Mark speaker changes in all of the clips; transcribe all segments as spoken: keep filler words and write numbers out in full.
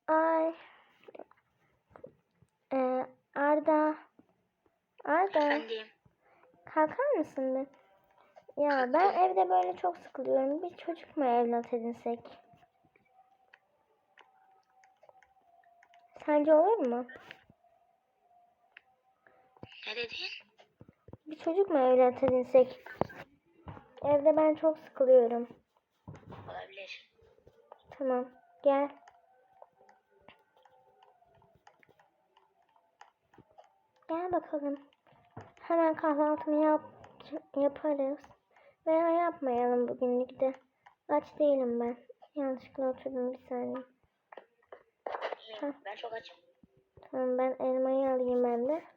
Speaker 1: Ay. Ee, Arda. Arda.
Speaker 2: Efendim.
Speaker 1: Kalkar mısın bir? Ya ben evde böyle çok sıkılıyorum. Bir çocuk mu evlat edinsek? Sence olur mu?
Speaker 2: Ne dedin?
Speaker 1: Bir çocuk mu evlat edinsek? Evde ben çok sıkılıyorum.
Speaker 2: Olabilir.
Speaker 1: Tamam. Gel. Gel bakalım. Hemen kahvaltımı yap yaparız. Veya yapmayalım bugünlük de. Aç değilim ben. Yanlışlıkla oturdum bir saniye.
Speaker 2: Ben, ben çok açım.
Speaker 1: Tamam ben elmayı alayım ben de.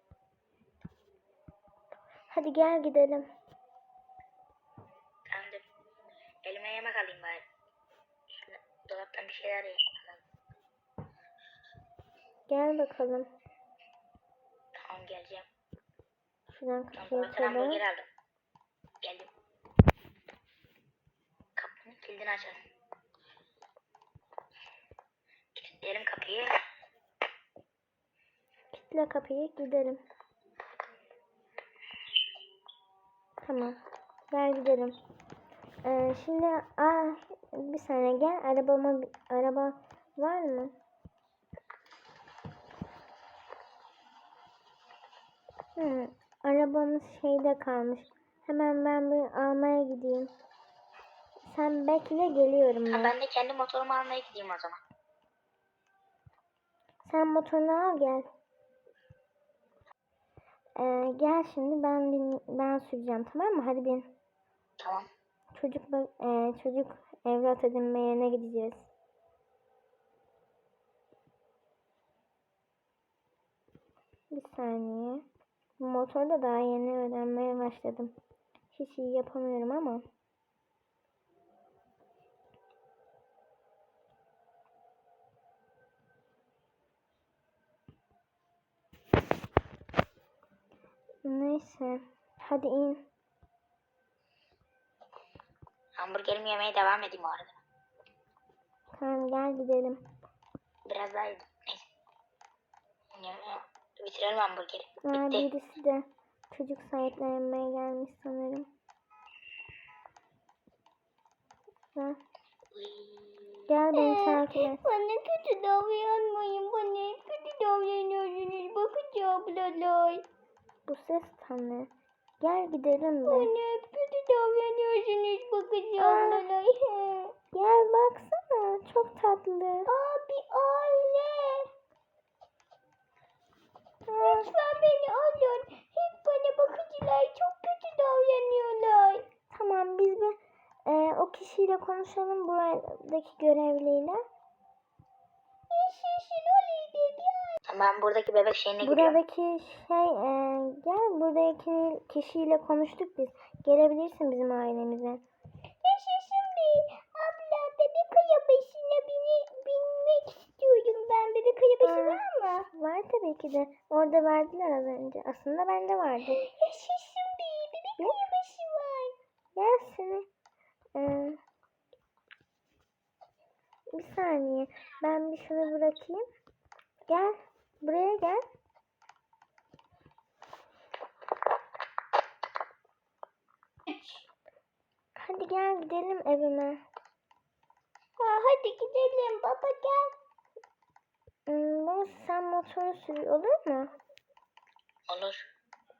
Speaker 1: Hadi gel gidelim.
Speaker 2: Tamamdır. Elime yemek alayım bari. Şöyle dolaptan bir şeyler yiyeyim.
Speaker 1: Gel bakalım.
Speaker 2: Tamam geleceğim.
Speaker 1: Şuradan
Speaker 2: Tamam,
Speaker 1: kapıyı
Speaker 2: dolaptan hamburger
Speaker 1: açalım.
Speaker 2: aldım. Geldim. Kapının kilidini açalım. Kilitleyelim kapıyı.
Speaker 1: Kilitle kapıyı gidelim. Tamam. Gel gidelim. Ee, şimdi aa, bir saniye gel. Arabama araba var mı? Hı, arabamız şeyde kalmış. Hemen ben bir almaya gideyim. Sen bekle geliyorum
Speaker 2: Ha,
Speaker 1: ben.
Speaker 2: ben de kendi motorumu almaya gideyim o zaman.
Speaker 1: Sen motorunu al gel. Ee, gel şimdi ben bin, ben süreceğim tamam mı? Hadi bin.
Speaker 2: Tamam.
Speaker 1: Çocuk bak e, çocuk evlat edinme yerine gideceğiz. Bir saniye. Bu motorda daha yeni öğrenmeye başladım. Hiç iyi yapamıyorum ama. Neyse. Hadi in.
Speaker 2: Hamburgerimi yemeye devam edeyim o arada.
Speaker 1: Tamam gel gidelim.
Speaker 2: Biraz daha yedim. Neyse. Ya, bitirelim hamburgeri.
Speaker 1: Aa,
Speaker 2: Bitti.
Speaker 1: birisi de çocuk sahiplenmeye gelmiş sanırım. Ha. Gel beni takip et.
Speaker 3: Bana kötü davranmayın. Bana hep kötü davranıyorsunuz. Bakın ablalar.
Speaker 1: Bu ses tam ne? Gel gidelim de.
Speaker 3: Bana hep kötü davranıyorsunuz. Bakın
Speaker 1: Aa.
Speaker 3: ablalar.
Speaker 1: Gel baksana. Çok tatlı.
Speaker 3: Abi aile.
Speaker 1: Aa,
Speaker 3: Lütfen beni alın. Hep bana bakıcılar çok kötü davranıyorlar.
Speaker 1: tamam biz bir e, o kişiyle konuşalım buradaki görevliyle.
Speaker 3: Yaşasın öyleydi. Gel.
Speaker 2: Ben buradaki bebek şeyine gidiyorum.
Speaker 1: Buradaki şey e, gel buradaki kişiyle konuştuk biz. Gelebilirsin bizim ailemize.
Speaker 3: Yaşasın be. Abla bebek arabasına bini, binmek istiyorum ben. Bebek arabası
Speaker 1: Aa.
Speaker 3: var mı?
Speaker 1: Var tabii ki de. Orada verdiler az önce. Aslında bende vardı.
Speaker 3: Yaşasın be. Bebek
Speaker 1: Ne?
Speaker 3: arabası var.
Speaker 1: Gel seni. Ee, bir saniye. Ben bir şunu bırakayım. Gel. Buraya gel. Hadi gel gidelim evime.
Speaker 3: Ha, hadi gidelim baba gel.
Speaker 1: Hmm, baba sen motoru sür olur mu?
Speaker 2: Olur.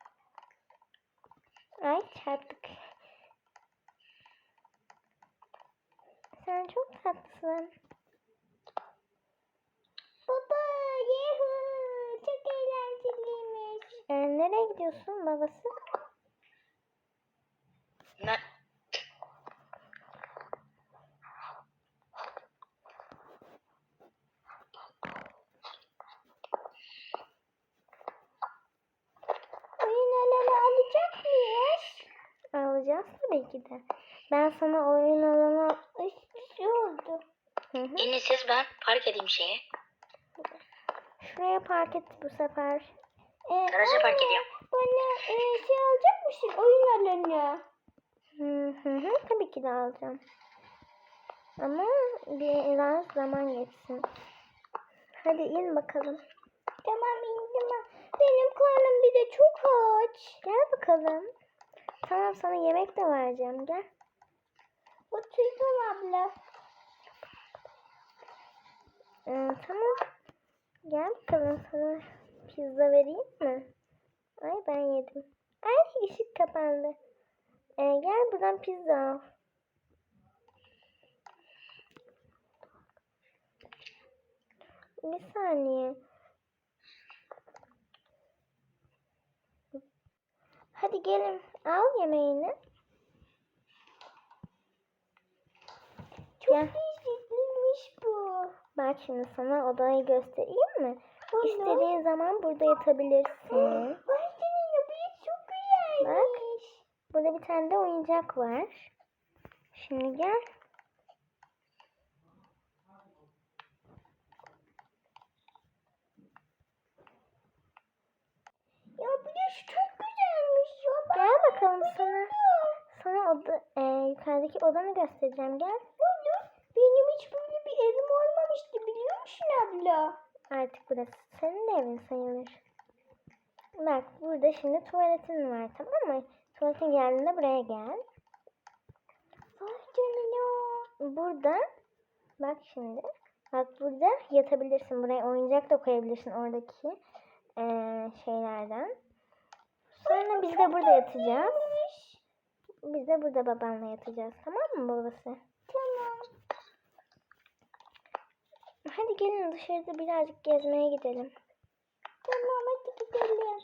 Speaker 1: Ay çarptık. Sen çok tatlısın.
Speaker 3: Baba yuhu çok eğlenceliymiş.
Speaker 1: Ee, nereye gidiyorsun babası?
Speaker 2: Ne?
Speaker 3: Oyun alanı alacak mıyız?
Speaker 1: Alacağız tabii ki de. Ben sana oyun alanı...
Speaker 3: Ay bir şey oldu.
Speaker 1: Hı hı.
Speaker 2: En iyisi ben park edeyim şeye.
Speaker 1: Şuraya park et bu sefer.
Speaker 3: Ee,
Speaker 2: Garaja park
Speaker 3: anne,
Speaker 2: ediyorum.
Speaker 3: bana e, şey alacak mısın oyun alanı?
Speaker 1: Hı hı hı. Tabii ki de alacağım. Ama biraz zaman geçsin. Hadi in bakalım.
Speaker 3: Tamam indim. Benim karnım bir de çok aç.
Speaker 1: Gel bakalım. Tamam sana yemek de vereceğim. Gel.
Speaker 3: Oturdum abla.
Speaker 1: Ee, tamam. Gel bakalım sana pizza vereyim mi? Ay ben yedim. Ay ışık kapandı. Ee, gel buradan pizza al. Bir saniye. Hadi gelin al yemeğini.
Speaker 3: Çok
Speaker 1: Gel.
Speaker 3: lezzetliymiş bu.
Speaker 1: Bak şimdi sana odayı göstereyim mi?
Speaker 3: Olur.
Speaker 1: İstediğin zaman burada yatabilirsin.
Speaker 3: Vay canına bu çok
Speaker 1: Bak.
Speaker 3: güzelmiş.
Speaker 1: Burada bir tane de oyuncak var. Şimdi gel.
Speaker 3: Ya bu yaş çok güzelmiş ya. Ben
Speaker 1: Gel bakalım sana.
Speaker 3: bayıldım.
Speaker 1: Sana oda, e, yukarıdaki odanı göstereceğim. Gel.
Speaker 3: Olur. Benim hiç böyle bir evim olmamıştı biliyor musun abla?
Speaker 1: Artık burası senin de evin sayılır. Bak burada şimdi tuvaletin var, tamam mı? Tuvaletin geldiğinde buraya gel.
Speaker 3: Vay canına.
Speaker 1: Burada bak şimdi. Bak burada yatabilirsin. Buraya oyuncak da koyabilirsin oradaki e, şeylerden. Sonra biz de burada yatacağız. Biz de burada babanla yatacağız. Tamam mı babası?
Speaker 3: Tamam.
Speaker 1: Hadi gelin dışarıda birazcık gezmeye gidelim.
Speaker 3: Tamam hadi gidelim.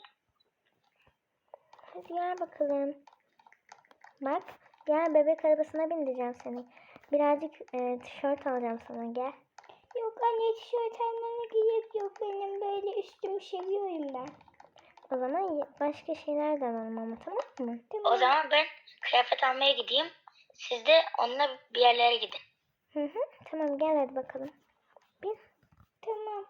Speaker 1: Hadi gel bakalım. Bak gel bebek arabasına bindireceğim seni. Birazcık e, tişört alacağım sana, gel.
Speaker 3: Yok anne tişört almana gerek yok. Benim böyle üstümü seviyorum ben.
Speaker 1: O zaman y- başka şeyler de alalım ama, tamam mı?
Speaker 2: O zaman ben kıyafet almaya gideyim. Siz de onunla bir yerlere gidin.
Speaker 1: Hı hı. Tamam gel hadi bakalım. Bin.
Speaker 3: Tamam.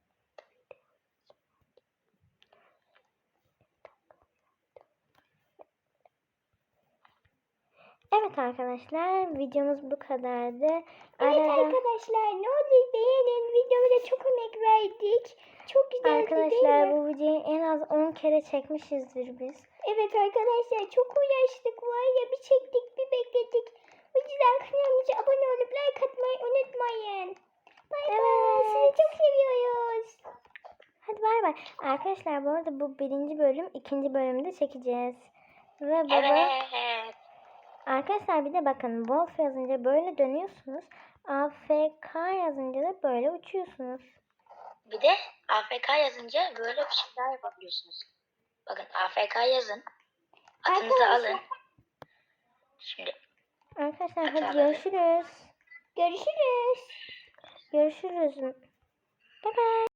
Speaker 1: Evet arkadaşlar videomuz bu kadardı.
Speaker 3: Evet
Speaker 1: Arada
Speaker 3: arkadaşlar ne olur beğenin. Videomuza çok emek verdik. Çok güzeldi değil
Speaker 1: arkadaşlar
Speaker 3: mi?
Speaker 1: bu videoyu en az on kere çekmişizdir biz.
Speaker 3: Evet arkadaşlar çok uğraştık var ya, bir çektik bir bekledik. O yüzden kanalımıza abone olup like atmayı unutmayın. Bay bay. Sizi çok seviyoruz.
Speaker 1: Hadi bay bay. Arkadaşlar bu arada bu birinci bölüm, ikinci bölümde çekeceğiz. Ve baba
Speaker 2: Evet.
Speaker 1: arkadaşlar bir de bakın Wolf yazınca böyle dönüyorsunuz. A F K yazınca da böyle uçuyorsunuz.
Speaker 2: Bir de A F K yazınca böyle bir şey daha yapabiliyorsunuz. Bakın A F K yazın. Atınızı
Speaker 3: Arkadaşlar.
Speaker 2: alın. Şimdi
Speaker 1: Arkadaşlar
Speaker 2: Hadi
Speaker 1: hadi
Speaker 2: alalım.
Speaker 1: görüşürüz.
Speaker 3: Görüşürüz.
Speaker 1: Görüşürüz. Bye bye.